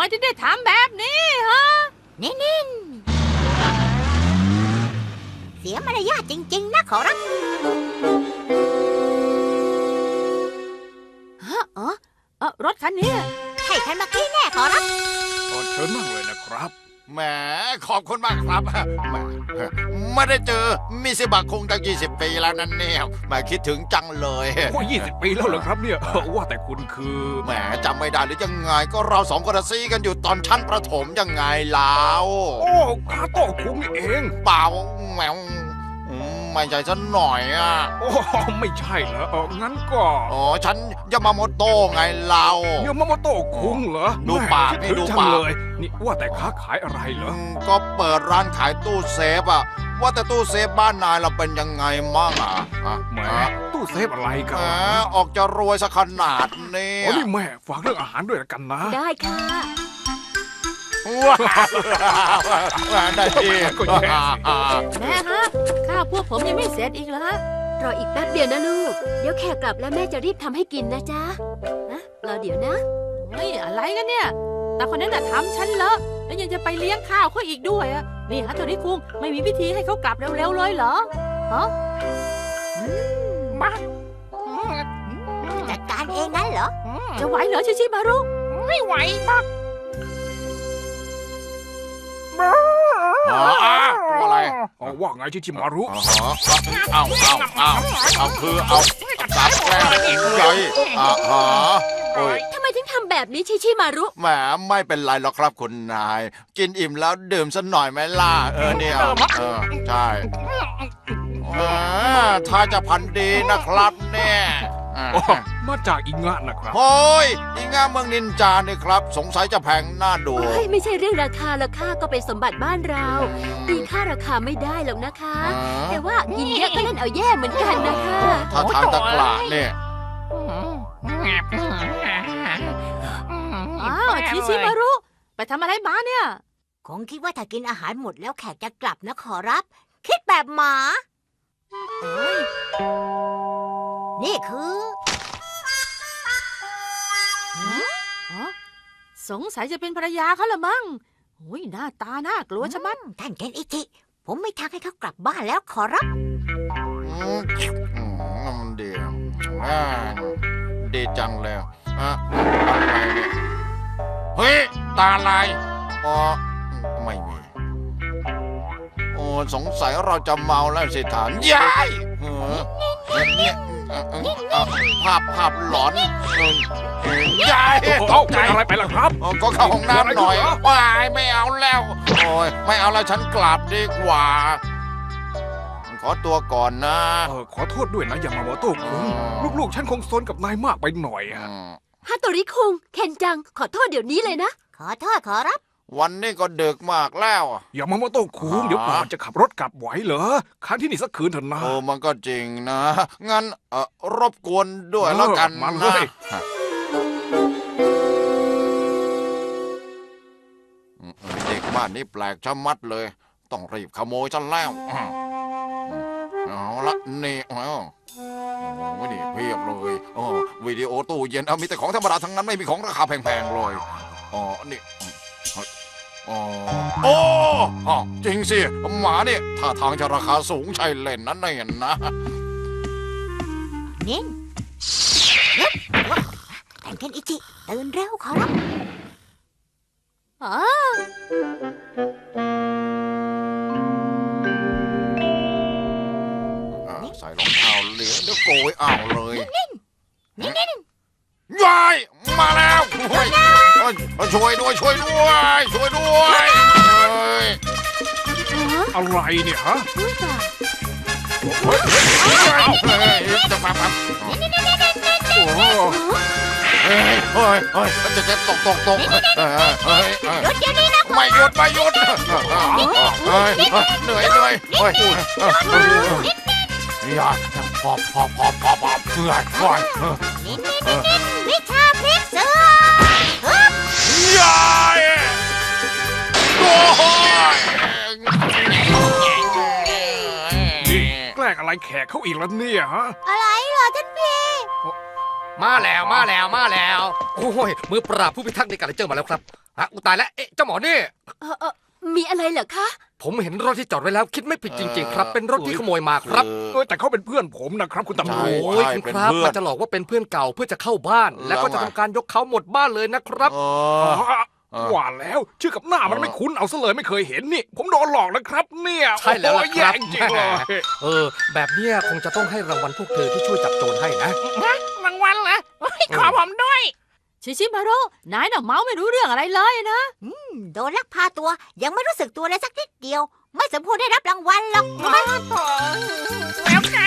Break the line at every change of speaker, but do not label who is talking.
ถึงได้ทำแบบนี้ฮะ
นิ่งๆเสียมารยาทจริงๆนะขอรับ
ฮะรถคันนี้
ใช่คันเมื่อกี้แน่ขอรับ
เชิญนั่งเลยนะครับ
แหมขอบคุณมากครับแหมไม่ได้เจอมิซิบะคงตั้ง20 ปีแล้วนั่นเนี่ยแหมคิดถึงจังเลย
โอ้20 ปีแล้วเหรอครับเนี่ยว่าแต่คุณคือ
แหมจำไม่ได้หรือยังไงก็เราสองคนซีกันอยู่ตอนชั้นประถมยังไงแล้ว
โอ้คาโต้คุงนี่เอง
เปล่าแหมไม่ใช่ฉันหน่อยอ่ะ
โอ้ไม่ใช่เหรองั้นก็
อ๋อฉันยามาโมโตะไงเรา
ยามาโมโตะคุงเหรอ
ดูปากนี่ดูปาก
เลยนี่ว่าแต่ค้าขายอะไรเหรอ
ก็เปิดร้านขายตู้เซฟอะว่าแต่ตู้เซฟบ้านนายเราเป็นยังไงมั่งอ่ะ
แหมตู้เซฟอะไรกัน
ออกจะรวยสักขนาดนี้
โอ้นี่แม่ฝากเรื่องอาหารด้วยกันนะ
ได้ค่ะ
ว้าได้ดี
แม่ฮะข้าวพวกผมยังไม่เสร็จอีกเหรอฮะ
รออีกแป๊บเดียวนะลูกเดี๋ยวแขกกลับแล้วแม่จะรีบทำให้กินนะจ๊ะนะรอเดี๋ยวนะ
เฮ้ยอะไรกันเนี่ยแต่คนนั้นน่ะทำฉันเลอะแล้วยังจะไปเลี้ยงข้าวเขาอีกด้วยอะนี่ฮะโทนี่คุงไม่มีวิธีให้เขากลับเร็วๆเลยเหรอฮะ
มาจัดการเองงั้นเหรอ
จะไหวเหรอชิมารุ
ไม่ไหวปัก
อะไร
ว่าไงชิมารุ
เอาคือเอาจับแกอินใหญ่
ทำไมถึงทำแบบนี้ชิมารุ
แหมไม่เป็นไรหรอกครับคุณนายกินอิ่มแล้วดื่มสักหน่อยไหมล่ะเนี่ยใช่ถ้าจะพันดีนะครับเนี่ย
มาจากอิงะนะครับ
โอ้ยอิงะเมืองนินจาเนี่ยครับสงสัยจะแพงน่าดู
ไม่ใช่เรื่องราคาละค่ะก็เป็นสมบัติบ้านเราตีค่าราคาไม่ได้หรอกนะคะแต่ว่ากินเยอะก็เล่นเอาแย่เหมือนกันนะคะ
ถ้าทางตะกร้าเนี่ย
ชิมารุไปทำอะไรมาเนี่ย
คงคิดว่าถ้ากินอาหารหมดแล้วแขกจะกลับนะขอรับคิดแบบหมานี่คือ
สงสัยจะเป็นภรรยาเขาละมั้งโอ้ยหน้าตาน่ากลัวชะมัด
ท่านเคนอิจิผมไม่ทางให้เขากลับบ้านแล้วขอรับ
มันดีจังเลยอะไรเนี่ยเฮ้ยตาลายไม่มีสงสัยเราจะเมาแล้วสิท่านยายภาพหลอนยาย
ตกใจอะไรไปล่ะครับ
ก็เข้าห้องน้ำหน่อยว้ายไม่เอาแล้วโอ้ยไม่เอาแล้วฉันกลับดีกว่าขอตัวก่อนนะ
ขอโทษด้วยนะยามาโมโตะคุงลูกๆฉันคงซนกับนายมากไปหน่อย
ฮาโตริคุงเคนจังขอโทษเดี๋ยวนี้เลยนะขอโทษขอรับ
วันนี้ก็ดึกมากแล้ว
อย่ามาโมโต้คุงเดี๋ยวก่อนจะขับรถกลับไหวเหรอค้างที่นี่สักคืนเถอะนะ
มันก็จริงนะงั้นรบกวนด้วยแล้วกันนะเด็กบ้านนี้แปลกชะมัดเลยต้องรีบขโมยฉันแล้วเอาละนี่ไม่ดีเพียบเลยวิดีโอตู้เย็นมีแต่ของธรรมดาทั้งนั้นไม่มีของราคาแพงๆเลยนี่โอ้จริงสิหมาเนี่ยถ้าทางจะราคาสูงใช่เล่นนั่นเองนะ
นิ่งแต่งกันอิจิตื่นเร็วขอรับ
ใส่รองเท้าเหลืองเดี๋ยวโกยเอาเลย
นิ่ง
ยายมาแล้วช่วยด้วย
อะไรเนี่ยฮะ
จะมาจะตก
หยุดเดี๋ยวนี้นะ
ไม่หยุดเหนื่อยอย่าพอเพื่อนก่อน
วิชาพลิกเสื
อยายโอ้ย
แกล้งอะไรแขกเขาอีกแล้วเนี่ยฮะ
อะไรเหรอท่านพี่
มาแล้วโอ้ยมือปราบผู้พิทักษ์ในการเจอมาแล้วครับอุยตายแล้วเจ้าหมอนี่
มีอะไรเหรอคะ
ผมเห็นรถที่จอดไว้แล้วคิดไม่ผิดจริง ๆ ครับ เป็นรถที่ขโมยมาครับ
แต่เขาเป็นเพื่อนผมนะครับคุณตำร
โอ้
วจ
ยคุณครับมันจะหลอกว่าเป็นเพื่อนเก่าเพื่อจะเข้าบ้าน แล้วก็จะทำการยกเขาหมดบ้านเลยนะครับ
ว่าแล้วชื่อกับหน้ามันไม่คุ้นเอาซะเลยไม่เคยเห็นนี่ ผมโดนหลอกนะครับเนี่ย
ใช่แล้วล่ะ
โอ้โห
ครับ
แย่จริงๆเลย
แบบเนี้ยคงจะต้องให้รางวัลพวกเธอที่ช่วยจับโจรให้นะ
รางวัลเหรอขอผมด้วย ชิชิมารุนายน่ะเมาไม่รู้เรื่องอะไรเลยนะ
โดนลักพาตัวยังไม่รู้สึกตัวเลยสักนิดเดียว ไม่สมควรได้รับรางวัลหรอก
แล้วไง